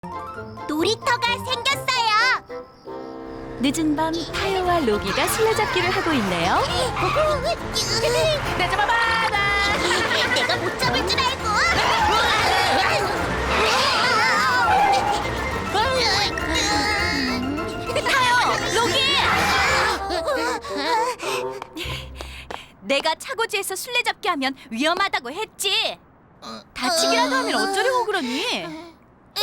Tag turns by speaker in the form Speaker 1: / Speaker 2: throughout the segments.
Speaker 1: 놀이터가 생겼어요.
Speaker 2: 늦은 밤 타요와 로기가 술래잡기를 하고 있네요.
Speaker 1: 나 잡아봐. 내가 못 잡을 줄 알고.
Speaker 2: 타요, 로기! 내가 차고지에서 술래잡기 하면 위험하다고 했지. 다치기라도 하면 어쩌려고 그러니?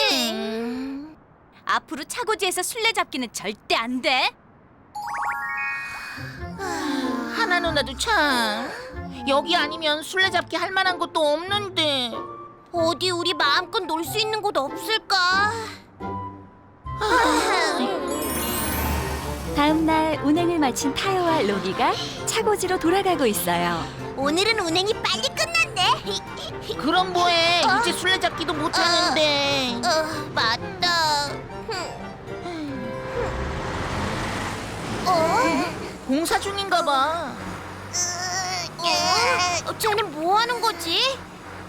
Speaker 2: 앞으로 차고지에서 술래잡기는 절대 안 돼.
Speaker 3: 하나 누나도 참 여기 아니면 술래잡기 할 만한 곳도 없는데.
Speaker 1: 어디 우리 마음껏 놀 수 있는 곳 없을까?
Speaker 2: 다음 날 운행을 마친 타요와 로기가 차고지로 돌아가고 있어요.
Speaker 1: 오늘은 운행이 빨리 끝났네.
Speaker 3: 그럼 뭐해? 이제 술래잡기도 못 하는데.
Speaker 1: 맞다.
Speaker 3: 공사 중인가 봐.
Speaker 1: 쟤는 뭐 하는 거지?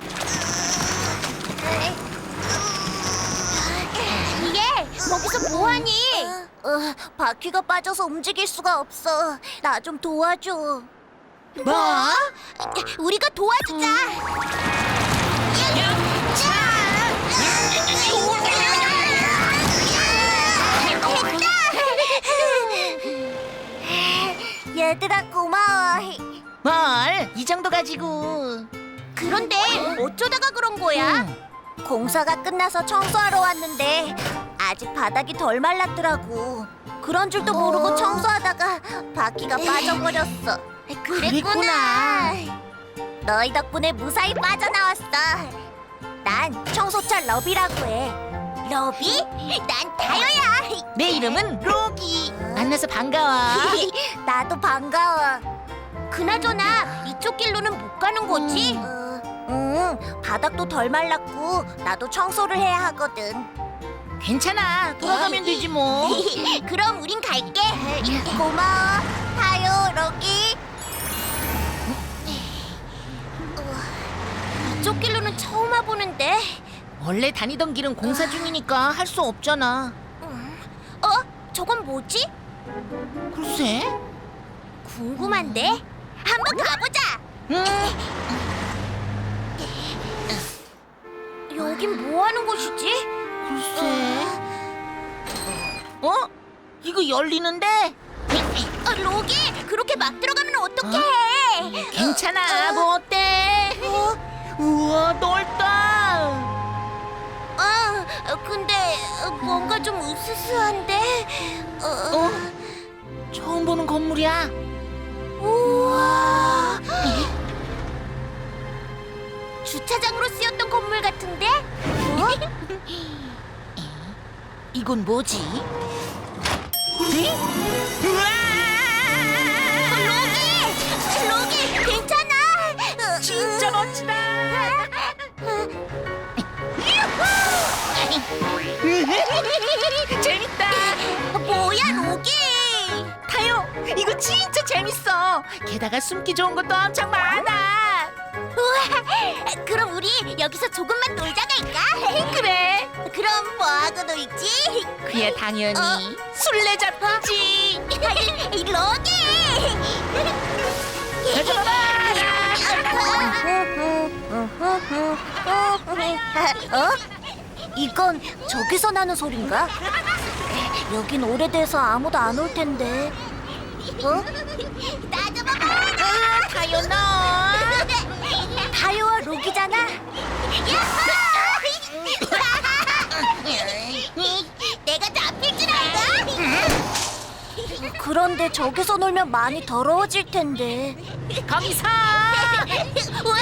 Speaker 1: 얘, 거기서 뭐 하니? 바퀴가 빠져서 움직일 수가 없어. 나 좀 도와줘.
Speaker 3: 뭐?
Speaker 1: 우리가 도와주자. 얘들아 고마워.
Speaker 3: 뭘? 이 정도 가지고.
Speaker 1: 그런데 어쩌다가 그런 거야? 공사가 끝나서 청소하러 왔는데 아직 바닥이 덜 말랐더라고. 그런 줄도 모르고 청소하다가 바퀴가 빠져버렸어. 그랬구나. 너희 덕분에 무사히 빠져나왔어. 난 청소차 러비라고 해. 러비? 난 다효야.
Speaker 3: 내 이름은 로기. 만나서 반가워.
Speaker 1: 나도 반가워. 그나저나 이쪽 길로는 못 가는 거지? 응, 바닥도 덜 말랐고 나도 청소를 해야 하거든.
Speaker 3: 괜찮아. 돌아가면 되지 뭐.
Speaker 1: 그럼 우린 갈게. 고마워, 타요, 러기. 이쪽 길로는 처음 와보는데.
Speaker 3: 원래 다니던 길은 공사 중이니까 할 수 없잖아.
Speaker 1: 저건 뭐지?
Speaker 3: 글쎄.
Speaker 1: 궁금한데? 한번 가보자.
Speaker 3: 응.
Speaker 1: 여긴 뭐 하는 곳이지?
Speaker 3: 글쎄. 어? 이거 열리는데?
Speaker 1: 로기, 그렇게 막 들어가면 어떡해?
Speaker 3: 괜찮아. 뭐 어때? 우와, 넓다.
Speaker 1: 근데 뭔가 좀 으스스한데?
Speaker 3: 처음 보는 건물이야.
Speaker 1: 우와! 주차장으로 쓰였던 건물 같은데?
Speaker 3: 이건 뭐지? 우와!
Speaker 1: 로기, 괜찮아?
Speaker 3: 진짜 멋지다. 재밌다.
Speaker 1: 뭐야, 로기?
Speaker 3: 타요, 이거 진짜 재밌어. 게다가 숨기 좋은 것도 엄청 많아.
Speaker 1: 우와, 그럼 우리 여기서 조금만 놀자 갈까?
Speaker 3: 그래.
Speaker 1: 그럼 뭐하고 놀지?
Speaker 3: 그야 당연히 술래잡기.
Speaker 1: 로기! 이건 저기서 나는 소린가? 여긴 오래돼서 아무도 안 올 텐데. 나 좀 봐봐!
Speaker 3: 타요 너.
Speaker 1: 다효와 로기잖아. 내가 잡힐 줄 알고? 그런데 저기서 놀면 많이 더러워질 텐데.
Speaker 3: 거기서.
Speaker 1: 우와!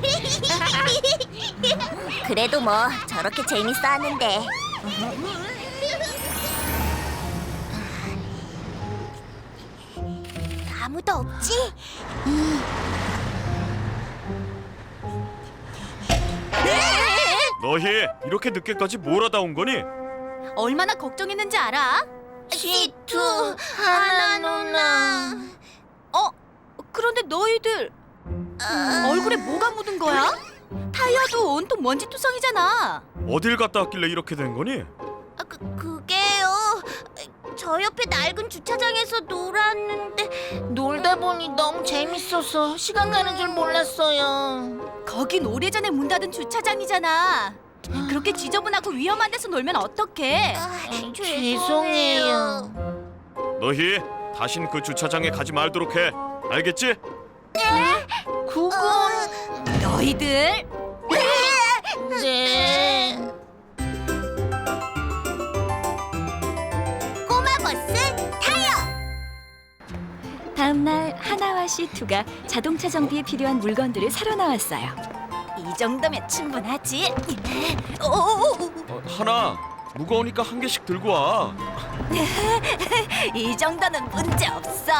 Speaker 1: 그래도 뭐 저렇게 재밌어 하는데. 아무도 없지?
Speaker 4: 너희 이렇게 늦게까지 뭘 하다 온 거니?
Speaker 2: 얼마나 걱정했는지 알아?
Speaker 1: 시투, 하나 누나.
Speaker 2: 그런데 너희들 얼굴에 뭐가 묻은 거야? 타이어도 온통 먼지투성이잖아.
Speaker 4: 어딜 갔다 왔길래 이렇게 된 거니?
Speaker 1: 그게요. 저 옆에 낡은 주차장에서 놀았는데
Speaker 3: 놀다 보니 너무 재밌어서 시간 가는 줄 몰랐어요.
Speaker 2: 거긴 오래전에 문 닫은 주차장이잖아. 그렇게 지저분하고 위험한 데서 놀면 어떡해?
Speaker 3: 죄송해요.
Speaker 4: 너희 다신 그 주차장에 가지 말도록 해. 알겠지?
Speaker 3: 그건
Speaker 2: 너희들
Speaker 3: 네.
Speaker 1: 꼬마 버스 타요.
Speaker 2: 다음 날 하나와 시투가 자동차 정비에 필요한 물건들을 사러 나왔어요. 이 정도면 충분하지.
Speaker 4: 하나 무거우니까 한 개씩 들고 와.
Speaker 2: 이 정도는 문제 없어.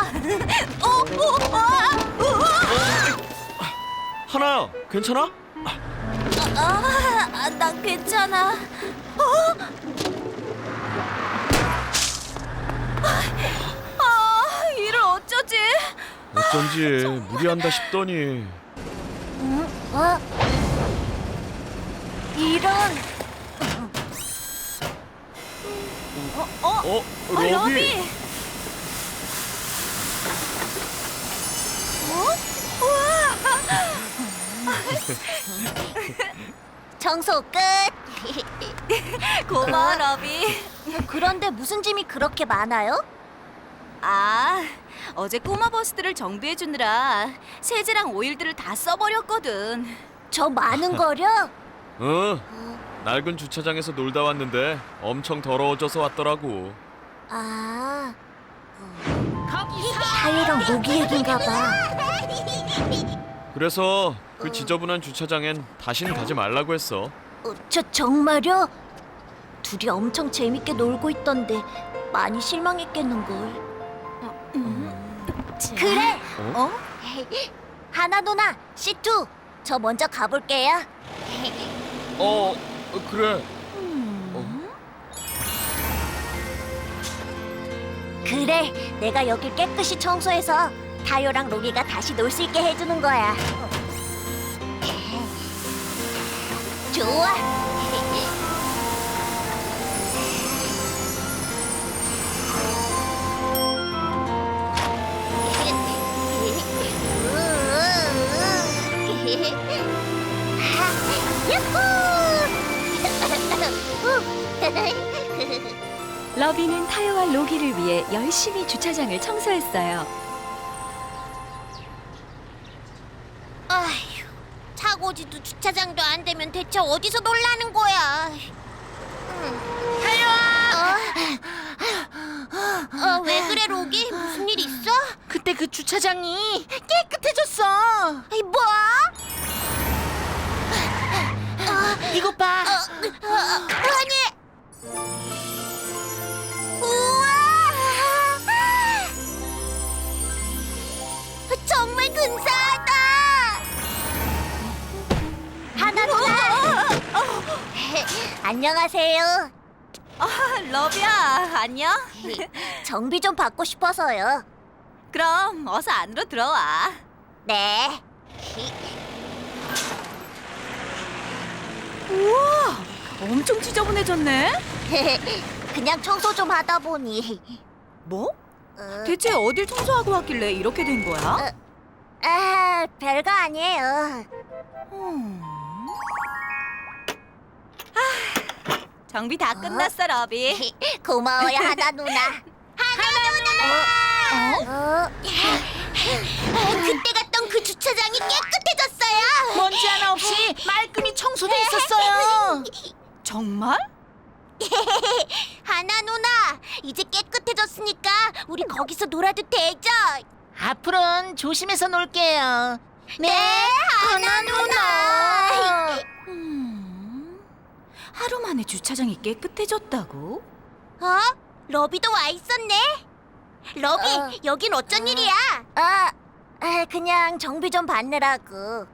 Speaker 4: 하나 괜찮아?
Speaker 2: 난 괜찮아. 이를 어쩌지?
Speaker 4: 어쩐지 무리한다 싶더니.
Speaker 1: 이런.
Speaker 4: 러비.
Speaker 2: 러비.
Speaker 1: 청소 끝.
Speaker 2: 고마워 러비.
Speaker 1: 그런데 무슨 짐이 그렇게 많아요?
Speaker 2: 어제 꼬마 버스들을 정비해 주느라 세제랑 오일들을 다 써버렸거든.
Speaker 1: 저 많은 거려?
Speaker 4: 낡은 주차장에서 놀다 왔는데 엄청 더러워져서 왔더라고.
Speaker 1: 타이랑 모기 얘긴가 봐.
Speaker 4: 그래서 그 지저분한 주차장엔 다신 가지 말라고 했어.
Speaker 1: 정말요? 둘이 엄청 재밌게 놀고 있던데 많이 실망했겠는걸. 그래. 하나 누나, 시투, 저 먼저 가볼게요.
Speaker 4: 그래.
Speaker 1: 그래, 내가 여길 깨끗이 청소해서 타요랑 로기가 다시 놀 수 있게 해주는 거야. 좋아.
Speaker 2: 러비는 타요와 로기를 위해 열심히 주차장을 청소했어요.
Speaker 1: 아휴, 차고지도 주차장도 안 되면 대체 어디서 놀라는 거야? 타요아! 왜 그래, 로기? 무슨 일 있어?
Speaker 3: 그때 그 주차장이 깨끗해졌어.
Speaker 1: 아이, 뭐?
Speaker 3: 이것 봐.
Speaker 1: 아니! 우와! 정말 근사하다! 하나 누나! 안녕하세요.
Speaker 2: 러비야, 안녕.
Speaker 1: 정비 좀 받고 싶어서요.
Speaker 2: 그럼 어서 안으로 들어와.
Speaker 1: 네.
Speaker 2: 우와, 엄청 지저분해졌네.
Speaker 1: 그냥 청소 좀 하다 보니.
Speaker 2: 뭐?
Speaker 1: 어,
Speaker 2: 대체 어딜 청소하고 왔길래 이렇게 된 거야?
Speaker 1: 별거 아니에요.
Speaker 2: 정비 다 끝났어, 러비.
Speaker 1: 고마워요, 하나 누나. 하나 누나! 그때 갔던 그 주차장이 깨끗해졌어요.
Speaker 3: 먼지 하나 없이 말끔히 청소돼 있었어요.
Speaker 2: 정말?
Speaker 1: 하나 누나, 이제 깨끗해졌으니까 우리 거기서 놀아도 되죠?
Speaker 3: 앞으로는 조심해서 놀게요.
Speaker 1: 네, 하나 누나.
Speaker 2: 하루 만에 주차장이 깨끗해졌다고?
Speaker 1: 러비도 와 있었네. 러비, 여긴 어쩐 일이야? 그냥 정비 좀 받느라고.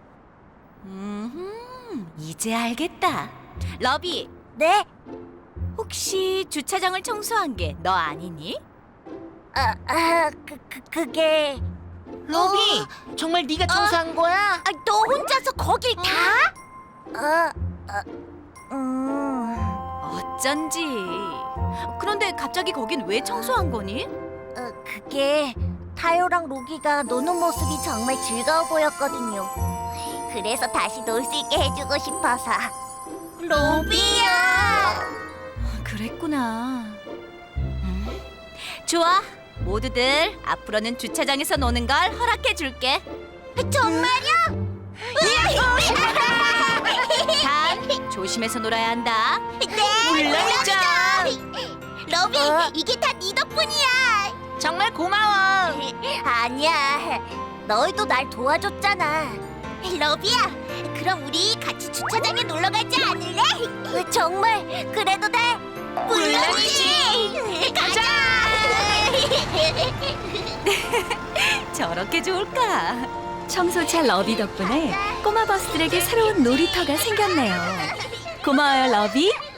Speaker 2: 이제 알겠다. 러비,
Speaker 1: 네?
Speaker 2: 혹시 주차장을 청소한 게 너 아니니?
Speaker 1: 그게
Speaker 3: 로비, 정말 네가 청소한 거야?
Speaker 1: 아, 너 혼자서 거길 다?
Speaker 2: 어쩐지. 그런데 갑자기 거긴 왜 청소한 거니?
Speaker 1: 그게 타요랑 로기가 노는 모습이 정말 즐거워 보였거든요. 그래서 다시 놀 수 있게 해주고 싶어서. 로비야!
Speaker 2: 그랬구나. 좋아. 모두들 앞으로는 주차장에서 노는 걸 허락해 줄게.
Speaker 1: 정말요?
Speaker 2: 단 조심해서 놀아야 한다.
Speaker 1: 네,
Speaker 3: 물론이죠.
Speaker 1: 로비, 이게 다 네 덕분이야.
Speaker 3: 정말 고마워.
Speaker 1: 아니야, 너희도 날 도와줬잖아. 로비야, 그럼 우리 같이 주차장에 놀러 가지 않을래? 정말 그래도 돼? 물론이지. 가자.
Speaker 2: 저렇게 좋을까? 청소차 러비 덕분에 꼬마 버스들에게 새로운 놀이터가 생겼네요. 고마워요, 러비.